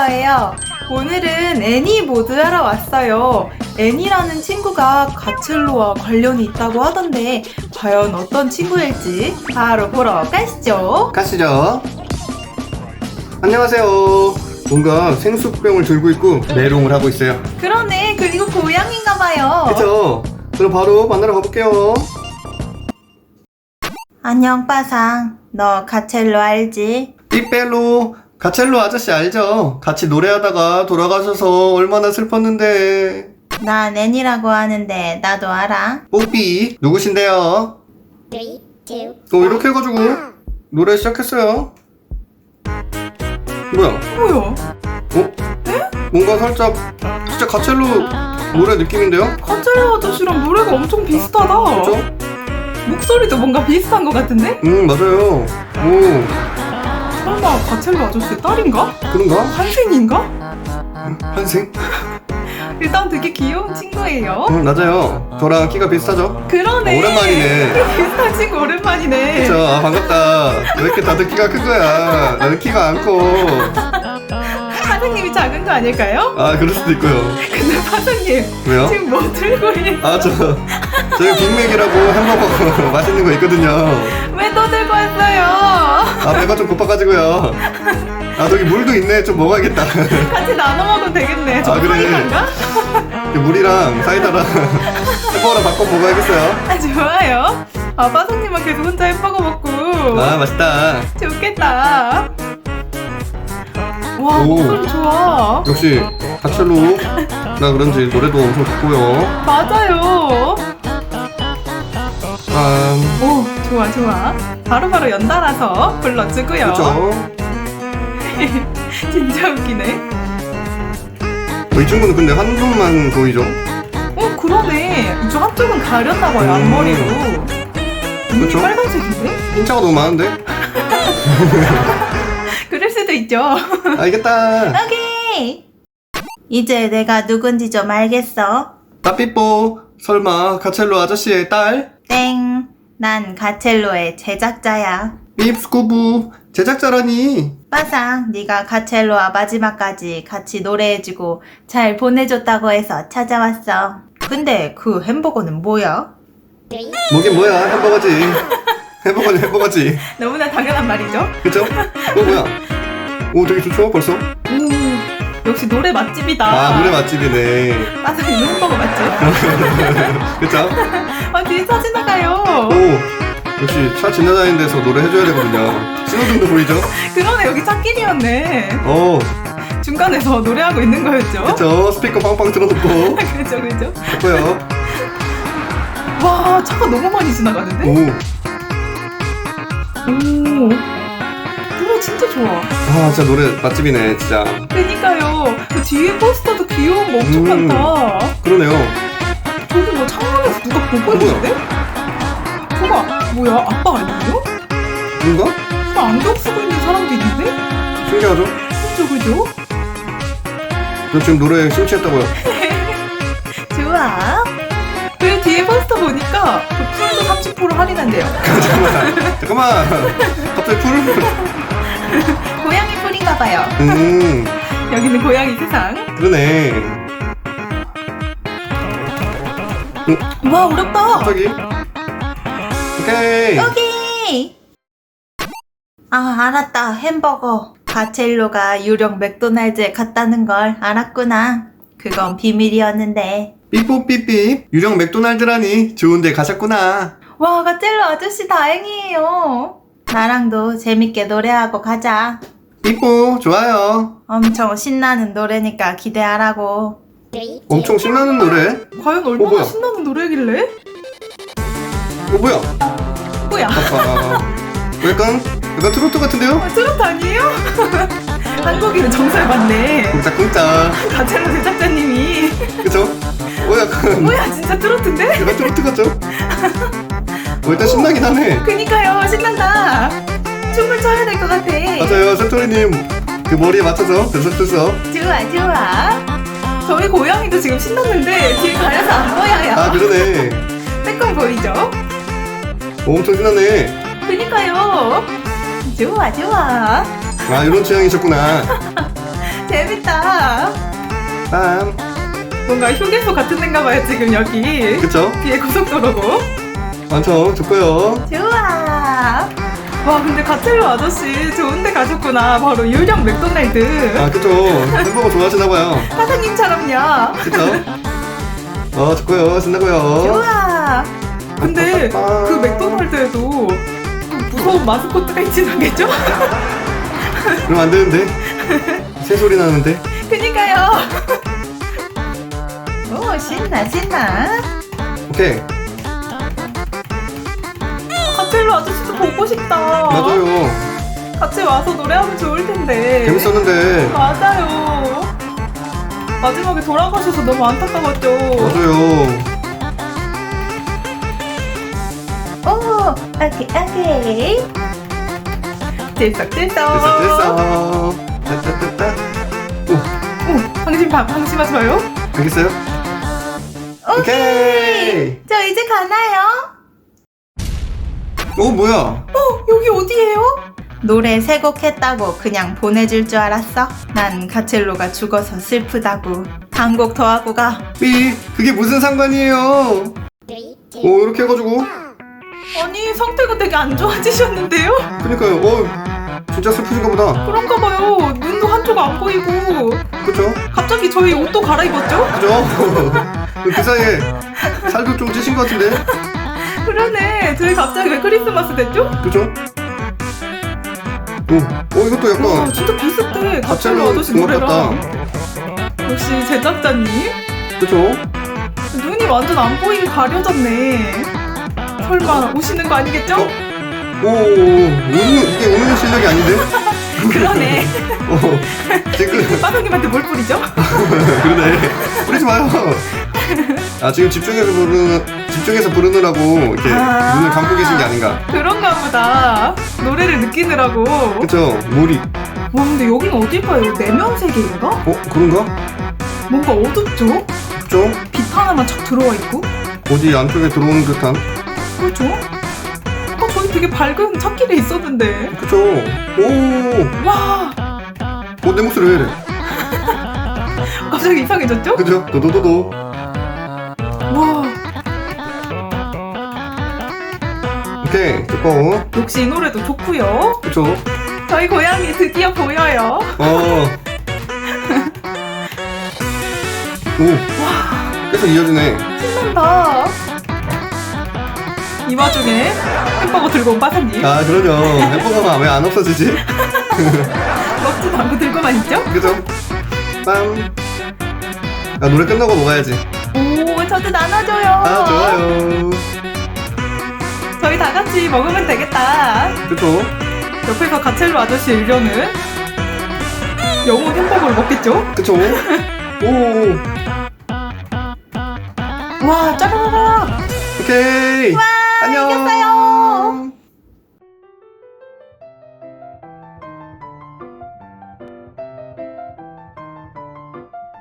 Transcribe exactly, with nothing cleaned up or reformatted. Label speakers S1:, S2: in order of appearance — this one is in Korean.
S1: 거예요. 오늘은 애니 모드하러 왔어요. 애니라는 친구가 가첼로와 관련이 있다고 하던데 과연 어떤 친구일지 바로 보러 가시죠.
S2: 가시죠. 안녕하세요. 뭔가 생수병을 들고 있고 메롱을 하고 있어요.
S1: 그러네. 그리고 고양인가봐요.
S2: 그쵸? 그럼 바로 만나러 가볼게요.
S1: 안녕 빠상. 너 가첼로 알지?
S2: 삐빼로 가첼로 아저씨 알죠? 같이 노래하다가 돌아가셔서 얼마나 슬펐는데.
S1: 난 애니라고 하는데 나도 알아.
S2: 뽀삐 누구신데요?
S3: Three, two,
S2: 어 이렇게 해가지고 노래 시작했어요. 뭐야?
S1: 뭐야?
S2: 어? 뭔가 살짝 진짜 가첼로 노래 느낌인데요?
S1: 가첼로 아저씨랑 노래가 엄청 비슷하다.
S2: 그죠?
S1: 목소리도 뭔가 비슷한 것 같은데?
S2: 음 맞아요. 오
S1: 설마 가첼로 아저씨 딸인가?
S2: 그런가?
S1: 한생인가?
S2: 한생?
S1: 일단 되게 귀여운 친구예요.
S2: 음 맞아요. 저랑 키가 비슷하죠?
S1: 그러네.
S2: 어, 오랜만이네.
S1: 비슷한 친구 오랜만이네.
S2: 그쵸? 아 반갑다. 왜 이렇게 다들 키가 큰 거야? 나는 키가 안 커.
S1: 사장님이 작은 거 아닐까요?
S2: 아 그럴 수도 있고요.
S1: 근데 사장님
S2: 왜요?
S1: 지금 뭐 들고 있는?
S2: 아 저 저희 빅맥이라고 햄버거 맛있는 거 있거든요.
S1: 왜 또 들고 왔어요?
S2: 아 배가 좀 고파가지고요. 아 저기 물도 있네. 좀 먹어야겠다.
S1: 같이 나눠 먹으면 되겠네. 저
S2: 아, 그래.
S1: 사이다인가?
S2: 물이랑 사이다랑 햄버거랑 바꿔 먹어야겠어요.
S1: 아 좋아요. 아 빠성님은 계속 혼자 햄버거 먹고.
S2: 아 맛있다.
S1: 좋겠다. 와
S2: 오.
S1: 목소리 좋아.
S2: 역시 가첼로 나 그런지 노래도 엄청 좋고요.
S1: 맞아요.
S2: 아
S1: 오 좋아 좋아. 바로바로 연달아서 불러주고요.
S2: 그렇죠.
S1: 진짜 웃기네.
S2: 어, 이 친구는 근데 한 눈만 보이죠?
S1: 어 그러네. 이쪽 한쪽은 가렸나봐요.
S2: 음.
S1: 앞머리로. 눈이
S2: 그쵸?
S1: 빨간색인데?
S2: 흰자가 너무 많은데?
S1: 그럴 수도 있죠.
S2: 알겠다.
S1: 오케이. 이제 내가 누군지 좀 알겠어.
S2: 따삐뽀 설마 가첼로 아저씨의 딸?
S1: 땡. 난 가첼로의 제작자야.
S2: 삐스쿠부 제작자라니.
S1: 빠상, 네가 가첼로와 마지막까지 같이 노래해주고 잘 보내줬다고 해서 찾아왔어. 근데 그 햄버거는 뭐야?
S3: three,
S2: 뭐긴 뭐야 햄버거지. 햄버거는 햄버거지.
S1: 너무나 당연한 말이죠.
S2: 그쵸? 어 뭐야? 오 되게 좋죠 벌써?
S1: 오, 역시 노래 맛집이다.
S2: 아 노래 맛집이네.
S1: 빠상 이거 햄버거 맛집.
S2: 그쵸?
S1: 아, 뒤에 차 지나가요.
S2: 오 역시 차 지나다니는 데서 노래 해줘야 되거든요. 신호등도 보이죠?
S1: 그러네, 여기 차길이었네.
S2: 오
S1: 중간에서 노래하고 있는 거였죠?
S2: 그쵸? 스피커 빵빵 틀어놓고
S1: 그죠, 그죠.
S2: 좋고요.
S1: 와, 차가 너무 많이 지나가는데?
S2: 오
S1: 오, 노래 진짜 좋아.
S2: 아 진짜 노래 맛집이네 진짜.
S1: 그니까요. 그 뒤에 포스터도 귀여운 거 엄청
S2: 음.
S1: 많다.
S2: 그러네요.
S1: 저기 뭐 창문에서 누가 보고
S2: 뭐야?
S1: 있는데? 저거 뭐야? 아빠 아니에요?
S2: 뭔가?
S1: 저 안경 쓰고 있는 사람도 있는데?
S2: 신기하죠?
S1: 그죠, 그죠?
S2: 저 지금 노래에 심취했다고요.
S1: 좋아. 그리고 뒤에 포스터 보니까 그 풀도 삼십 퍼센트 할인한대요.
S2: 잠깐만 잠깐만 갑자기 풀을
S1: 고양이 풀인가 봐요.
S2: 음
S1: 여기는 고양이 세상.
S2: 그러네.
S1: 와, 어렵다.
S2: 갑자기 오케이.
S1: 여기. 아, 알았다. 햄버거. 가첼로가 유령 맥도날드에 갔다는 걸 알았구나. 그건 비밀이었는데.
S2: 삐뽀삐삐 유령 맥도날드라니 좋은데 가셨구나.
S1: 와, 가첼로 아저씨 다행이에요. 나랑도 재밌게 노래하고 가자.
S2: 삐뽀 좋아요.
S1: 엄청 신나는 노래니까 기대하라고.
S3: three,
S2: 엄청 신나는 노래.
S1: 과연 얼마나
S2: 뭐야?
S1: 신나는 노래길래?
S2: 어 뭐야?
S1: 뭐야?
S2: 아빠 약간 약간 트로트 같은데요?
S1: 아, 트로트 아니에요? 한국인은 정설 맞네.
S2: 쿵짝쿵짝
S1: 가첼로 제작자님이.
S2: 그쵸? 어 약간
S1: 뭐야, 진짜 트로트인데?
S2: 약간 트로트 같죠? 어 일단 신나긴 하네.
S1: 그니까요, 신난다. 춤을 춰야 될 것 같아.
S2: 맞아요 센토리님 그 머리에 맞춰서 들썩들썩.
S1: 좋아, 좋아. 저희 고양이도 지금 신났는데 뒤에 가려서 안 보여요.
S2: 아 그러네.
S1: 빼꼼 보이죠?
S2: 오, 엄청 신나네.
S1: 그니까요. 좋아, 좋아.
S2: 아 이런 취향이셨구나.
S1: 재밌다.
S2: 빰.
S1: 뭔가 휴게소 같은 데인가 봐요, 지금 여기.
S2: 그쵸?
S1: 뒤에 고속도로고.
S2: 완전 좋고요.
S1: 좋아. 와, 근데 가첼로 아저씨 좋은 데 가셨구나. 바로 유령 맥도날드.
S2: 아, 그쵸. 햄버거 좋아하시나봐요.
S1: 사장님처럼요.
S2: 그쵸? 어, 좋고요. 신나고요.
S1: 좋아. 근데
S2: 빠빠빠.
S1: 그 맥도날드에도 무서운 마스코트가 있진 않겠죠?
S2: 그럼 안 되는데. 새소리 나는데.
S1: 그니까요. 오, 신나, 신나.
S2: 오케이.
S1: 가첼로 아저씨도 보고 싶다.
S2: 맞아요.
S1: 같이 와서 노래하면 좋을 텐데.
S2: 재밌었는데.
S1: 맞아요. 마지막에 돌아가셔서 너무 안타까웠죠.
S2: 맞아요.
S1: 오, 오케이, 오케이. 들썩, 들썩.
S2: 됐어, 됐어. 따따따따. 오,
S1: 오, 방심, 방, 방심하지 마요.
S2: 알겠어요? 오케이.
S1: 저 이제 가나요?
S2: 오, 뭐야?
S1: 어, 여기 어디예요? 노래 세 곡 했다고 그냥 보내줄 줄 알았어? 난 가첼로가 죽어서 슬프다고. 한 곡 더 하고 가.
S2: 삐, 그게 무슨 상관이에요?
S3: three, two,
S2: 오, 이렇게 해가지고.
S1: 아니, 상태가 되게 안 좋아지셨는데요?
S2: 그니까요. 어, 진짜 슬프신가 보다.
S1: 그런가 봐요. 눈도 한쪽 안 보이고.
S2: 그쵸?
S1: 갑자기 저희 옷도 갈아입었죠?
S2: 그죠? 그 사이에 살도 좀 찌신 것 같은데?
S1: 그러네. 저희 갑자기 왜 크리스마스 됐죠?
S2: 그죠? 오, 어, 이것도
S1: 와,
S2: 약간
S1: 진짜 비슷해. 가첼로
S2: 가첼로
S1: 아저씨
S2: 음악
S1: 노래랑. 역시 제작자님.
S2: 그죠?
S1: 눈이 완전 안 보이게 가려졌네. 설마 오시는 거 아니겠죠?
S2: 어? 오, 오늘 이게 오늘 실력이 아닌데?
S1: 그러네.
S2: 어, 지금
S1: 빠방님한테 뭘 뿌리죠?
S2: 그러네. 뿌리지 마요. 아, 지금 집중해서 부르는 집중해서 부르느라고 이렇게
S1: 아.
S2: 눈을 감고 계신 게 아닌가?
S1: 그런가 보다. 노래를 느끼느라고.
S2: 그쵸? 몰입.
S1: 와, 근데 여긴 어딜까요? 내면 세계인가?
S2: 어, 그런가?
S1: 뭔가 어둡죠?
S2: 그쵸?
S1: 빛 하나만 착 들어와 있고.
S2: 어디 안쪽에 들어오는 듯한.
S1: 그렇죠? 어, 저기 되게 밝은 찾길에 있었는데.
S2: 그쵸? 오,
S1: 와,
S2: 어, 내 목소리 왜 이래?
S1: 갑자기 이상해졌죠?
S2: 그죠? 도도도도.
S1: 와,
S2: 오케이, 됐고.
S1: 역시 이 노래도 좋고요.
S2: 그쵸?
S1: 저희 고양이 드디어 보여요.
S2: 어. 오, 계속 이어지네.
S1: 신난다. 이 와중에 햄버거 들고 온 빠사님.
S2: 아, 그러죠. 햄버거가 왜 안 없어지지?
S1: 먹지도 않고 들고만 있죠?
S2: 그죠? 빰. 아, 노래 끝나고 먹어야지.
S1: 오, 저도 나눠줘요.
S2: 아, 좋아요.
S1: 저희 다 같이 먹으면 되겠다.
S2: 그쵸?
S1: 옆에서 가첼로 아저씨 의견은 영혼 햄버거를 먹겠죠?
S2: 그쵸? 오,
S1: 와, 짜라라라.
S2: 오케이. 안녕.
S1: 이겼어요.